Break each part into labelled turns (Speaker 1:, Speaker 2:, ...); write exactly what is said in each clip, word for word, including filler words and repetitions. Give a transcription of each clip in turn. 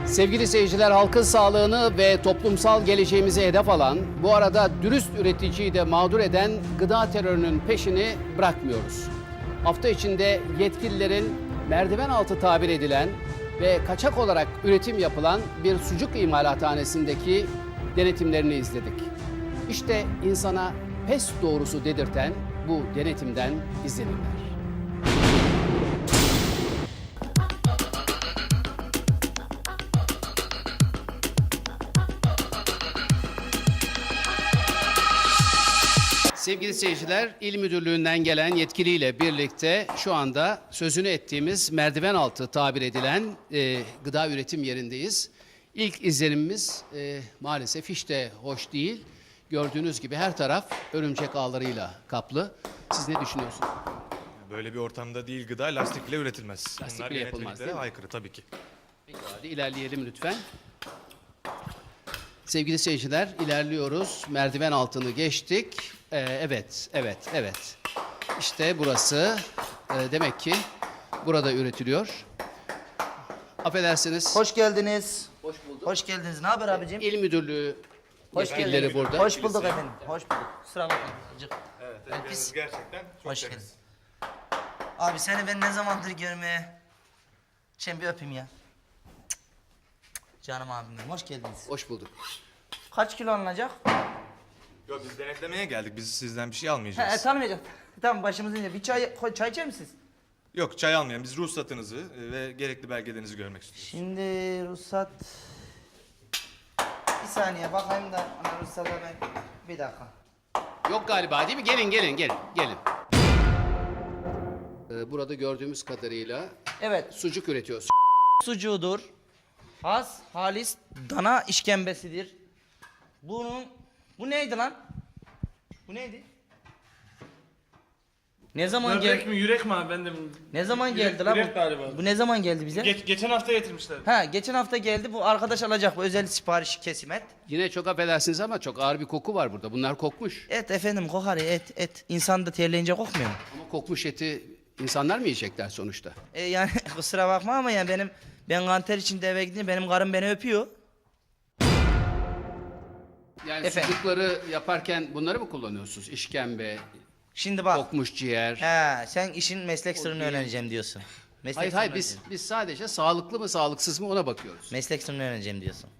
Speaker 1: Sevgili seyirciler, halkın sağlığını ve toplumsal geleceğimizi hedef alan, bu arada dürüst üreticiyi de mağdur eden gıda terörünün peşini bırakmıyoruz. Hafta içinde yetkililerin merdiven altı tabir edilen ve kaçak olarak üretim yapılan bir sucuk imalathanesindeki denetimlerini izledik. İşte insana pes doğrusu dedirten bu denetimden izlenimler. Sevgili seyirciler, İl Müdürlüğü'nden gelen yetkiliyle birlikte şu anda sözünü ettiğimiz merdiven altı tabir edilen e, gıda üretim yerindeyiz. İlk izlenimimiz e, maalesef hiç de hoş değil. Gördüğünüz gibi her taraf örümcek ağlarıyla kaplı. Siz ne düşünüyorsunuz?
Speaker 2: Böyle bir ortamda değil, gıda lastikle üretilmez.
Speaker 1: Lastikle
Speaker 2: Bunlar
Speaker 1: yapılmaz,
Speaker 2: yönetmeliklere
Speaker 1: değil mi?
Speaker 2: aykırı tabii ki.
Speaker 1: Peki, hadi ilerleyelim lütfen. Sevgili seyirciler, ilerliyoruz. Merdiven altını geçtik. Ee, evet, evet, evet. İşte burası. Ee, demek ki burada üretiliyor. Affedersiniz.
Speaker 3: Hoş geldiniz.
Speaker 1: Hoş bulduk.
Speaker 3: Hoş geldiniz. Ne haber abicim?
Speaker 1: İl Müdürlüğü
Speaker 3: Hoş
Speaker 1: yetkilileri
Speaker 3: geldiniz.
Speaker 1: burada.
Speaker 3: Hoş bulduk efendim. Hoş bulduk. Kusura bakmayın. Cık.
Speaker 2: Evet,
Speaker 3: Ben pis.
Speaker 2: gerçekten çok
Speaker 3: Hoş
Speaker 2: temiz.
Speaker 3: geldin. Abi seni ben ne zamandır görmeye... Çen bir öpeyim ya. Cık. Canım abim benim. Hoş geldiniz.
Speaker 1: Hoş bulduk.
Speaker 3: Kaç kilo alınacak?
Speaker 2: Yok, biz denetlemeye geldik. Biz sizden bir şey
Speaker 3: He,
Speaker 2: almayacağız.
Speaker 3: e, tanımayacak. Tamam, başımızın önünde. Bir çay, koy- çay içer misiniz?
Speaker 2: Yok, çay almayalım. Biz ruhsatınızı e, ve gerekli belgelerinizi görmek istiyoruz.
Speaker 3: Şimdi ruhsat... Bir saniye bakayım da ona ruhsata ben... Bir dakika.
Speaker 1: Yok galiba, değil mi? Gelin, gelin, gelin, gelin. Ee, burada gördüğümüz kadarıyla
Speaker 3: Evet.
Speaker 1: sucuk üretiyoruz.
Speaker 3: Sucuğudur. Has, halis, dana işkembesidir. Bunun, bu neydi lan? Bu neydi? Ne zaman
Speaker 4: Böbrek
Speaker 3: geldi?
Speaker 4: mi yürek mi abi ben de bilmiyorum.
Speaker 3: Ne zaman
Speaker 4: Yürek-
Speaker 3: geldi lan
Speaker 4: yürek
Speaker 3: bu?
Speaker 4: galiba.
Speaker 3: Bu ne zaman geldi bize?
Speaker 4: Geç, geçen hafta getirmişler.
Speaker 3: Ha, geçen hafta geldi. Bu arkadaş alacak, bu özel sipariş kesim et.
Speaker 1: Yine çok affedersiniz ama çok ağır bir koku var burada. Bunlar kokmuş.
Speaker 3: Et efendim, kokar ya, et, et. İnsan da terleyince kokmuyor mu?
Speaker 1: Ama kokmuş eti insanlar mı yiyecekler sonuçta?
Speaker 3: E yani kusura bakma ama yani benim ben kanter içinde eve gidince benim karım beni öpüyor.
Speaker 1: Yani
Speaker 3: Efendim?
Speaker 1: sucukları yaparken bunları mı kullanıyorsunuz? İşkembe,
Speaker 3: Şimdi bak.
Speaker 1: kokmuş ciğer.
Speaker 3: He, sen işin meslek sırrını
Speaker 1: değil.
Speaker 3: öğreneceğim diyorsun. Meslek
Speaker 1: Hayır
Speaker 3: sırrını
Speaker 1: hayır biz
Speaker 3: öğreneceğim.
Speaker 1: biz sadece sağlıklı mı sağlıksız mı ona bakıyoruz.
Speaker 3: Meslek sırrını öğreneceğim diyorsun.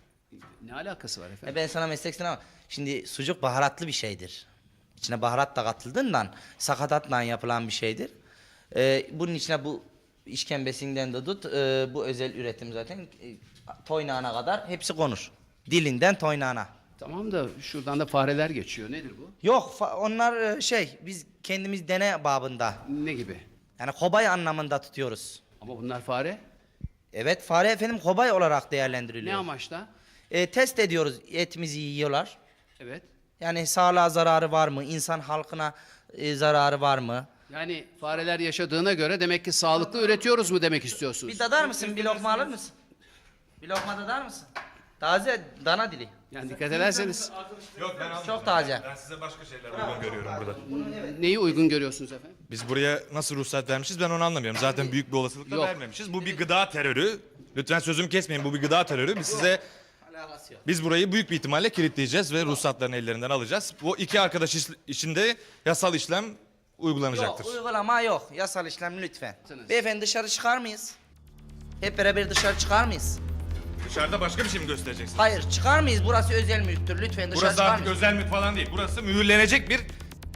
Speaker 1: Ne alakası var efendim?
Speaker 3: E ben sana meslek sırrını ama şimdi sucuk baharatlı bir şeydir. İçine baharat da katıldığından sakatatla yapılan bir şeydir. Ee, bunun içine bu işkembesinden de tut, e, bu özel üretim zaten e, toynağına kadar hepsi konur. Dilinden toynağına.
Speaker 1: Tamam da şuradan da fareler geçiyor. Nedir bu?
Speaker 3: Yok fa- onlar e, şey biz kendimiz dene babında
Speaker 1: Ne gibi?
Speaker 3: yani kobay anlamında tutuyoruz.
Speaker 1: Ama bunlar fare.
Speaker 3: Evet fare efendim kobay olarak değerlendiriliyor.
Speaker 1: Ne amaçla?
Speaker 3: E, test ediyoruz etimizi yiyorlar.
Speaker 1: Evet.
Speaker 3: Yani sağlığa zararı var mı? İnsan halkına e, zararı var mı?
Speaker 1: Yani fareler yaşadığına göre demek ki sağlıklı üretiyoruz mu demek istiyorsunuz?
Speaker 3: Bir dadar mısın? Bir lokma alır mısın? Bir lokma dadar mısın? Taze dana dili.
Speaker 1: Yani dikkat ederseniz
Speaker 2: Yok, ben almayacağım.
Speaker 3: Çok taze.
Speaker 2: Ben size başka şeyler uygun görüyorum burada.
Speaker 1: neyi uygun görüyorsunuz efendim?
Speaker 2: Biz buraya nasıl ruhsat vermişiz ben onu anlamıyorum. Zaten büyük bir olasılıkla
Speaker 1: Yok.
Speaker 2: vermemişiz. Bu bir gıda terörü. Lütfen sözümü kesmeyin. Bu bir gıda terörü. Biz size
Speaker 3: Alakası yok.
Speaker 2: Biz burayı büyük bir ihtimalle kilitleyeceğiz ve ruhsatlarını ellerinden alacağız. Bu iki arkadaş iş- içinde yasal işlem uygulanacaktır.
Speaker 3: Yok uygulama yok. Yasal işlem lütfen.
Speaker 1: Sınız.
Speaker 3: Beyefendi dışarı çıkar mıyız? Hep beraber dışarı çıkar mıyız?
Speaker 2: Dışarıda başka bir şey mi göstereceksiniz?
Speaker 3: Hayır çıkar mıyız? Burası özel mülktür. Lütfen dışarı
Speaker 2: Burası
Speaker 3: çıkar
Speaker 2: artık
Speaker 3: mıyız?
Speaker 2: özel mülk falan değil. Burası mühürlenecek bir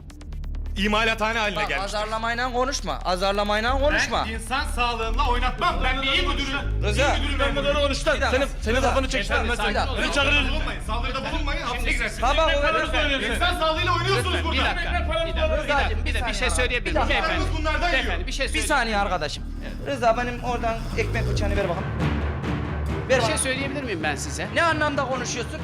Speaker 2: imalathane haline
Speaker 3: Bak
Speaker 2: gelmiştir.
Speaker 3: azarlamayla konuşma. Azarlamayla konuşma.
Speaker 4: insan sağlığımla oynatmam. Ben bir iyi müdürüm.
Speaker 3: Rıza.
Speaker 4: Ben de doğru konuştan.
Speaker 3: Bir dakika.
Speaker 4: Senin, senin
Speaker 3: Rıza.
Speaker 4: kafanı çeksen.
Speaker 3: Bir dakika.
Speaker 4: Beni çağırırız.
Speaker 2: Bulunmayın, saldırıda bulunmayın, hapse girersiniz.
Speaker 3: Tamam
Speaker 4: Ekmek
Speaker 3: öyle.
Speaker 4: parası söylüyorsun.
Speaker 2: İnsan sağlığıyla oynuyorsunuz
Speaker 1: Bir
Speaker 2: burada.
Speaker 1: dakika, bir dakika, bir
Speaker 3: Rıza'cığım,
Speaker 1: dakika, bir,
Speaker 3: bir
Speaker 1: dakika, bir şey
Speaker 3: saniye.
Speaker 1: söyleyebilir
Speaker 3: Bir
Speaker 1: miyim?
Speaker 3: dakika.
Speaker 1: Beyefendi,
Speaker 2: Bunlardan yiyor.
Speaker 1: beyefendi bir şey
Speaker 3: Bir
Speaker 1: söyleyeyim.
Speaker 3: saniye arkadaşım. Rıza benim oradan ekmek bıçağını ver bakalım. Ver
Speaker 1: Bir şey
Speaker 3: bana.
Speaker 1: söyleyebilir miyim ben size?
Speaker 3: Ne anlamda konuşuyorsun?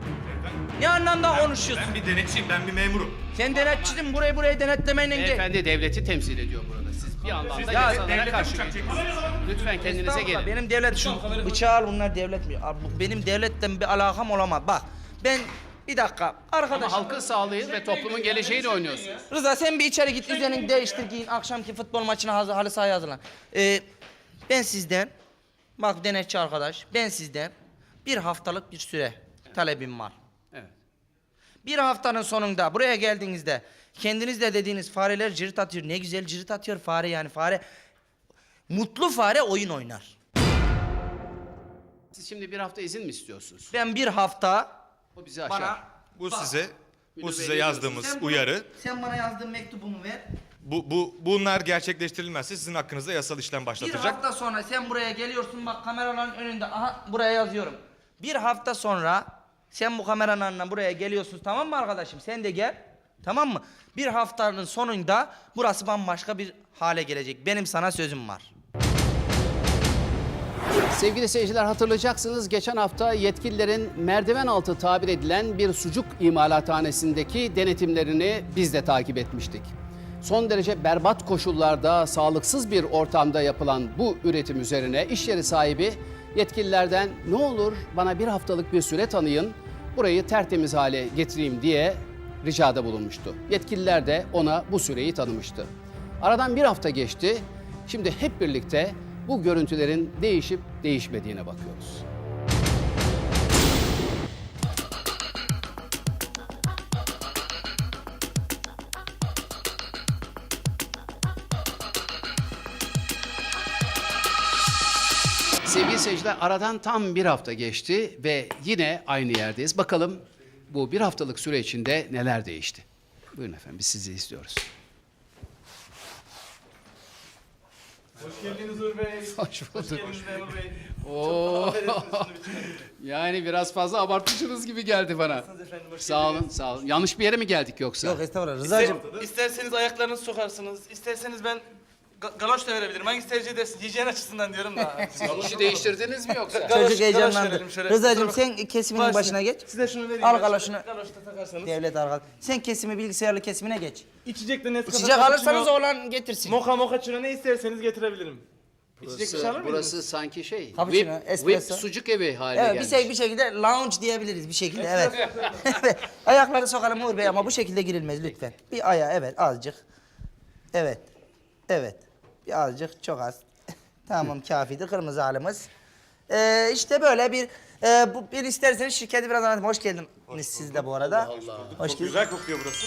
Speaker 3: Ne anlamda konuşuyorsun?
Speaker 2: Ben bir denetçiyim, ben bir memurum.
Speaker 3: Sen denetçiydin burayı burayı denetlemeyle gel.
Speaker 1: Beyefendi devleti temsil ediyor burada. Siz bir anlamda
Speaker 3: Ya,
Speaker 1: yasalara
Speaker 2: devlete
Speaker 1: karşı
Speaker 2: bıçak
Speaker 1: geliyorsunuz. Lütfen kendinize
Speaker 3: Estağfurullah,
Speaker 1: gelin.
Speaker 3: benim devlet şu bıçağı al bunlar devlet mi? Abi, bu- benim devletten bir alakam olamaz. Bak ben bir dakika arkadaş.
Speaker 1: Ama halkın sağlığı ve toplumun geleceğiyle oynuyorsunuz.
Speaker 3: Rıza sen bir içeri git üzerini değiştir giyin akşamki futbol maçına hazır halı sahaya hazırlan. Ee, ben sizden Bak denetçi arkadaş, ben sizden bir haftalık bir süre talebim var.
Speaker 1: Evet.
Speaker 3: Bir haftanın sonunda buraya geldiğinizde kendiniz de dediğiniz fareler cirit atıyor. Ne güzel cirit atıyor fare yani fare. Mutlu fare oyun oynar.
Speaker 1: Siz şimdi bir hafta izin mi istiyorsunuz?
Speaker 3: Ben bir hafta
Speaker 1: O bizi aşar.
Speaker 3: bana...
Speaker 2: Bu
Speaker 3: Bak,
Speaker 2: size bu
Speaker 1: Müdür
Speaker 2: size
Speaker 1: Bey,
Speaker 2: yazdığımız
Speaker 3: sen bunu-
Speaker 2: uyarı.
Speaker 3: Sen bana yazdığın mektubumu ver.
Speaker 2: Bu bu bunlar gerçekleştirilmezse sizin hakkınızda yasal işlem
Speaker 3: Bir
Speaker 2: başlatacak.
Speaker 3: hafta sonra sen buraya geliyorsun bak kameraların önünde. Aha buraya yazıyorum. Bir hafta sonra sen bu kameranın önüne buraya geliyorsun tamam mı arkadaşım? Sen de gel. Tamam mı? Bir haftanın sonunda burası bambaşka bir hale gelecek. Benim sana sözüm var.
Speaker 1: Sevgili seyirciler, hatırlayacaksınız, geçen hafta yetkililerin merdiven altı tabir edilen bir sucuk imalathanesindeki denetimlerini biz de takip etmiştik. Son derece berbat koşullarda, sağlıksız bir ortamda yapılan bu üretim üzerine iş yeri sahibi yetkililerden ne olur bana bir haftalık bir süre tanıyın, burayı tertemiz hale getireyim diye ricada bulunmuştu. Yetkililer de ona bu süreyi tanımıştı. Aradan bir hafta geçti. Şimdi hep birlikte bu görüntülerin değişip değişmediğine bakıyoruz. Sevgili seyirciler, aradan tam bir hafta geçti ve yine aynı yerdeyiz. Bakalım bu bir haftalık süre içinde neler değişti? Buyurun efendim, biz sizi izliyoruz.
Speaker 4: Hoş geldiniz Uğur Bey.
Speaker 1: Hoş bulduk.
Speaker 4: Hoş geldiniz Memur Bey.
Speaker 1: Oo. Yani biraz fazla abartmışsınız gibi geldi bana.
Speaker 4: Efendim, hoş
Speaker 1: Sağ olun, sağ olun. Yanlış bir yere mi geldik yoksa?
Speaker 3: Yok estağfurullah
Speaker 4: İster, isterseniz ayaklarınızı sokarsınız. İsterseniz ben ga- galoş da verebilirim. Hangisi tercih edersin? Hijyen açısından diyorum da.
Speaker 1: İşi değiştirdiniz mi yoksa?
Speaker 4: Galoş-
Speaker 3: Çocuk
Speaker 4: galoş
Speaker 3: heyecanlandı.
Speaker 4: verelim şöyle.
Speaker 3: Rıza'cığım
Speaker 4: Kusura
Speaker 3: sen kesiminin
Speaker 4: Başla.
Speaker 3: başına geç.
Speaker 4: Size şunu vereyim.
Speaker 3: Al
Speaker 4: ben.
Speaker 3: galoşunu.
Speaker 4: Galoş da takarsanız.
Speaker 3: Devlet arkadaş. Sen kesimi bilgisayarlı kesimine geç.
Speaker 4: İçecek de Nescafe.
Speaker 3: İçecek alırsanız
Speaker 4: cappuccino,
Speaker 3: oğlan getirsin.
Speaker 4: Moka moka çino ne isterseniz getirebilirim. İçecek bir şey alır
Speaker 1: Burası,
Speaker 4: mıydınız?
Speaker 1: burası sanki şey,
Speaker 3: Cappuccino,
Speaker 1: whip,
Speaker 3: espresso.
Speaker 1: whip sucuk evi haline
Speaker 3: Evet bir,
Speaker 1: gelmiş.
Speaker 3: şey, bir şekilde lounge diyebiliriz bir şekilde evet. Evet. Ayakları sokalım Uğur Bey ama bu şekilde girilmez lütfen. Bir ayağı evet azıcık. Evet. Evet. Bir azıcık çok az. Tamam kafidir kırmızı halimiz. Ee, işte böyle bir e, bu bir isterseniz şirketi biraz anlatayım. Hoş geldiniz siz de bu arada. Hoş geldiniz.
Speaker 4: Güzel kokuyor burası.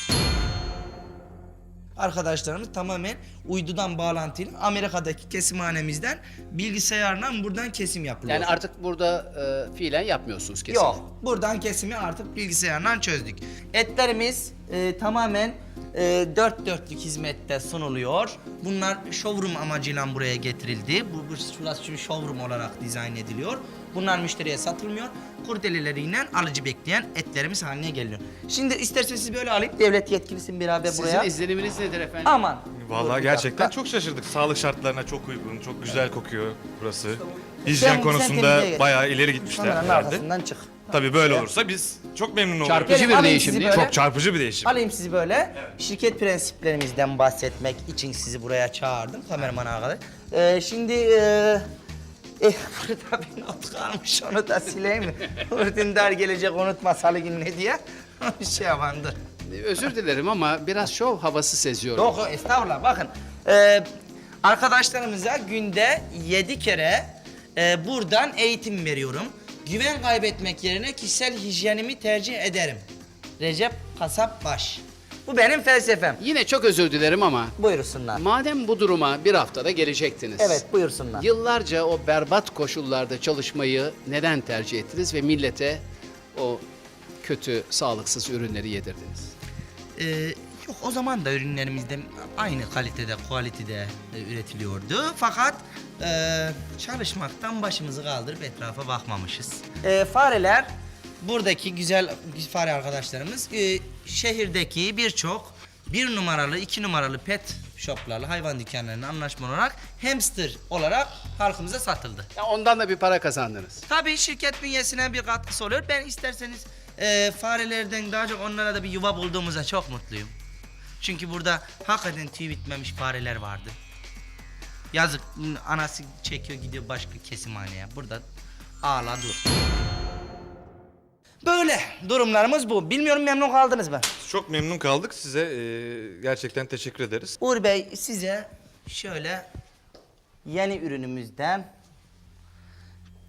Speaker 3: Arkadaşlarımız tamamen uydudan bağlantılı Amerika'daki kesimhanemizden bilgisayarla buradan kesim yapılıyor.
Speaker 1: Yani artık burada e, fiilen yapmıyorsunuz kesin.
Speaker 3: Yok. Buradan kesimi artık bilgisayarla çözdük. Etlerimiz e, tamamen e, dört dörtlük hizmette sunuluyor. Bunlar showroom amacıyla buraya getirildi. Bu, bu burası bir showroom olarak dizayn ediliyor. Bunlar müşteriye satılmıyor. Kurdeleleriyle alıcı bekleyen etlerimiz haline geliyor. Şimdi isterseniz siz böyle alayım. Devlet yetkilisin beraber
Speaker 1: Sizin
Speaker 3: buraya.
Speaker 1: izleniminiz nedir efendim?
Speaker 3: Aman. Dur
Speaker 2: Vallahi
Speaker 3: bir
Speaker 2: gerçekten
Speaker 3: dakika.
Speaker 2: çok şaşırdık. Sağlık şartlarına çok uygun, çok güzel kokuyor burası.
Speaker 3: Sen-
Speaker 2: Hijyen
Speaker 3: sen
Speaker 2: konusunda
Speaker 3: temizliğe geç.
Speaker 2: bayağı ileri gitmişler
Speaker 3: Kameranın
Speaker 2: herhalde.
Speaker 3: arkasından çık.
Speaker 2: Tabii böyle olursa biz çok memnun oluruz.
Speaker 1: Çarpıcı
Speaker 3: Gelin,
Speaker 1: bir
Speaker 3: alayım
Speaker 1: değişim
Speaker 3: sizi
Speaker 1: değil mi?
Speaker 3: böyle.
Speaker 2: Çok çarpıcı bir değişim.
Speaker 3: Alayım sizi böyle. Şirket prensiplerimizden bahsetmek için sizi buraya çağırdım. Kameraman arkadaş. Ee, şimdi e, e, burada bir not kalmış onu da sileyim mi? Urdündar gelecek unutma salı gününe diye. Bir şey yapandı.
Speaker 1: Özür dilerim ama biraz şov havası seziyorum.
Speaker 3: Yok yok, estağfurullah bakın. E, arkadaşlarımıza günde yedi kere e, buradan eğitim veriyorum. Güven kaybetmek yerine kişisel hijyenimi tercih ederim. Recep Kasap Baş. Bu benim felsefem.
Speaker 1: Yine çok özür dilerim ama
Speaker 3: Buyursunlar.
Speaker 1: madem bu duruma bir haftada gelecektiniz.
Speaker 3: Evet buyursunlar.
Speaker 1: Yıllarca o berbat koşullarda çalışmayı neden tercih ettiniz ve millete o kötü, sağlıksız ürünleri yedirdiniz?
Speaker 3: Ee, yok o zaman da ürünlerimizde aynı kalitede, kualitede e, üretiliyordu. Fakat e, çalışmaktan başımızı kaldırıp etrafa bakmamışız. E, fareler, buradaki güzel fare arkadaşlarımız e, şehirdeki birçok bir numaralı, iki numaralı pet shoplarla, hayvan dükkanlarına anlaşma olarak hamster olarak halkımıza satıldı.
Speaker 1: Ya ondan da bir para kazandınız.
Speaker 3: Tabii şirket bünyesine bir katkısı oluyor. Ben isterseniz e, farelerden daha çok onlara da bir yuva bulduğumuza çok mutluyum. Çünkü burada hakikaten tüy bitmemiş fareler vardı. Yazık anası çekiyor gidiyor başka kesimhaneye. Burada ağla dur. Böyle durumlarımız bu. Bilmiyorum memnun kaldınız mı?
Speaker 2: Çok memnun kaldık. Size e, gerçekten teşekkür ederiz.
Speaker 3: Uğur Bey size şöyle yeni ürünümüzden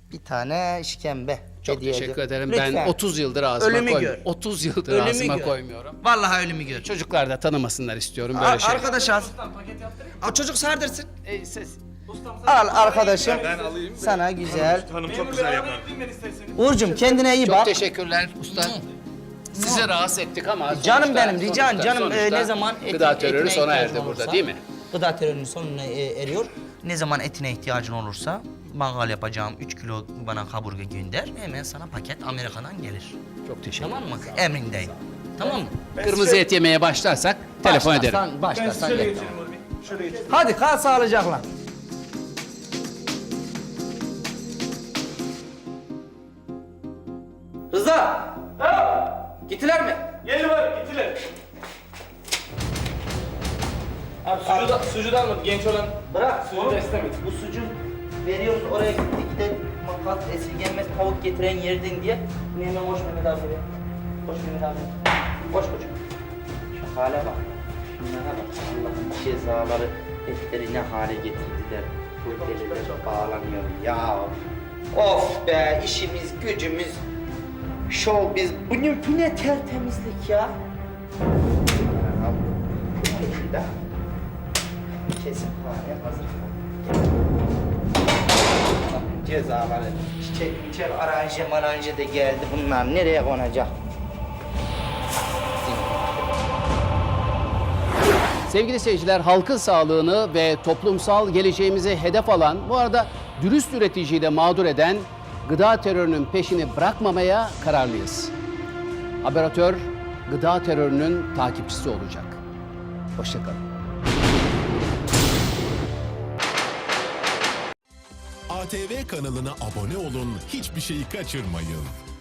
Speaker 3: bir tane işkembe
Speaker 1: Çok
Speaker 3: hediye
Speaker 1: teşekkür
Speaker 3: ediyorum.
Speaker 1: ederim. Ben
Speaker 3: Lütfen.
Speaker 1: otuz yıldır ağzıma
Speaker 3: Ölümü
Speaker 1: koymuyorum.
Speaker 3: gör.
Speaker 1: otuz yıldır
Speaker 3: Ölümü
Speaker 1: ağzıma
Speaker 3: gör.
Speaker 1: koymuyorum.
Speaker 3: Vallahi ölümü gör.
Speaker 1: Çocuklar da tanımasınlar istiyorum böyle
Speaker 3: Ar-
Speaker 1: şeyler.
Speaker 3: arkadaş az.
Speaker 4: Ustam paket yaptırayım.
Speaker 3: Al çocuk sardırsın.
Speaker 1: E, ses.
Speaker 4: Ustam sana
Speaker 3: Al arkadaşım.
Speaker 2: Ben alayım.
Speaker 3: Sana güzel.
Speaker 2: Hanım
Speaker 4: memur
Speaker 2: çok
Speaker 4: bey
Speaker 2: güzel
Speaker 4: arabaya
Speaker 2: yapar.
Speaker 4: yükleyeyim ben isterseniz.
Speaker 3: Uğur'cum kendine iyi
Speaker 1: Çok
Speaker 3: bak.
Speaker 1: teşekkürler usta. Sizi rahatsız ettik ama
Speaker 3: Canım
Speaker 1: sonuçta-
Speaker 3: benim rican
Speaker 1: sonuçta-
Speaker 3: canım e,
Speaker 1: sonuçta
Speaker 3: ne zaman eti-
Speaker 1: gıda terörü
Speaker 3: etine
Speaker 1: sona
Speaker 3: ihtiyacın
Speaker 1: erdi burada
Speaker 3: olursa-
Speaker 1: değil mi?
Speaker 3: Gıda terörünün sonuna e, eriyor. Ne zaman etine ihtiyacın olursa mangal yapacağım üç kilo bana kaburga gönder. Hemen sana paket Amerika'dan gelir.
Speaker 1: Çok teşekkür
Speaker 3: Tamam mı? Emrindeyim. Tamam mı?
Speaker 1: Kırmızı et yemeye başlarsak telefon ederim.
Speaker 3: Başlarsan, başlarsan
Speaker 4: Şöyle
Speaker 3: yeter.
Speaker 4: geçelim Uğur Bey. Şöyle geçelim.
Speaker 3: Hadi kal sağlıcakla. Rıza! Gittiler mi?
Speaker 4: Gel var gittiler. Abi sucuğu da, sucuğu da almadı genç olan.
Speaker 3: Bırak.
Speaker 4: Sucuğu da istemedi.
Speaker 3: Bu sucuk veriyoruz oraya gittik de makas esirgenmez tavuk getiren yerden diye. Hemen hoş Mehmet abi. be. Hoş Mehmet abi. Hoş koçum. Şu hale bak. Şunlara bak. Allah'ın cezaları etleri ne hale getirdiler. Bu deliler bağlanıyor ya. Of be işimiz gücümüz. Şov biz. Bu ne, bu ne tertemizlik ya. Bu ne ya? Kesin hale hazır. Cezaları, çiçek, çiçek, aranje, maranje de geldi. Bunlar nereye konacak?
Speaker 1: Sevgili seyirciler, halkın sağlığını ve toplumsal geleceğimizi hedef alan, bu arada dürüst üreticiyi de mağdur eden gıda terörünün peşini bırakmamaya kararlıyız. Haberatör, gıda terörünün takipçisi olacak. Hoşçakalın.
Speaker 5: A T V kanalına abone olun, hiçbir şeyi kaçırmayın.